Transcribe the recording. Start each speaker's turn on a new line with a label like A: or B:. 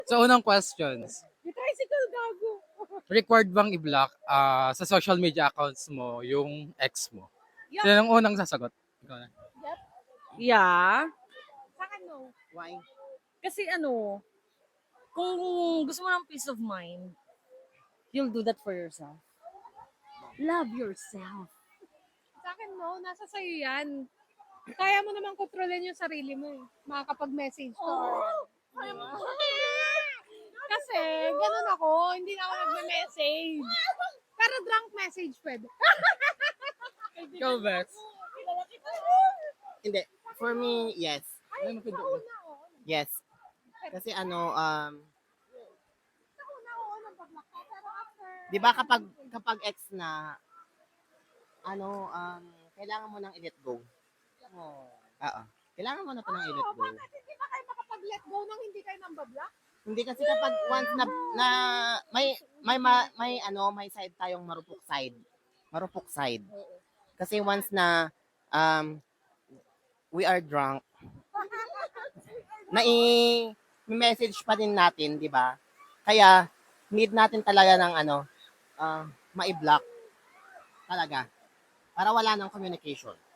A: So, unang questions.
B: May tricycle gago.
A: Required bang i-block sa social media accounts mo yung ex mo?
B: Yup.
A: Sino ang unang sasagot? Ikaw na.
B: Yep.
C: Yeah.
B: Sa akin no.
A: Why?
C: Kasi kung gusto mo ng peace of mind, you'll do that for yourself. Love yourself.
B: Sa akin no, nasa sayo yan. Kaya mo naman kontrolin yung sarili mo eh. Makakapag-message ka. Kasi, ganun ako. Hindi na ako nagme-message. Pero drunk message pwede.
A: Ikaw, Bex.
D: Hindi. For me, yes.
B: Ay, sa una, oo.
D: Yes. Kasi
B: Sa una, oo, nag-block ka. Pero after...
D: 'di ba kapag ex na kailangan mo nang i-let go. Oo. Kailangan mo na pa nang i-let
B: Oo,
D: go.
B: bakit hindi ba kayo makapag-let go nang hindi kayo nang bablock?
D: Hindi kasi kapag once na may side tayong marupok side. Marupok side. Kasi once na we are drunk, message pa din natin, 'di ba? Kaya need natin talaga ng mai-block talaga para wala nang communication.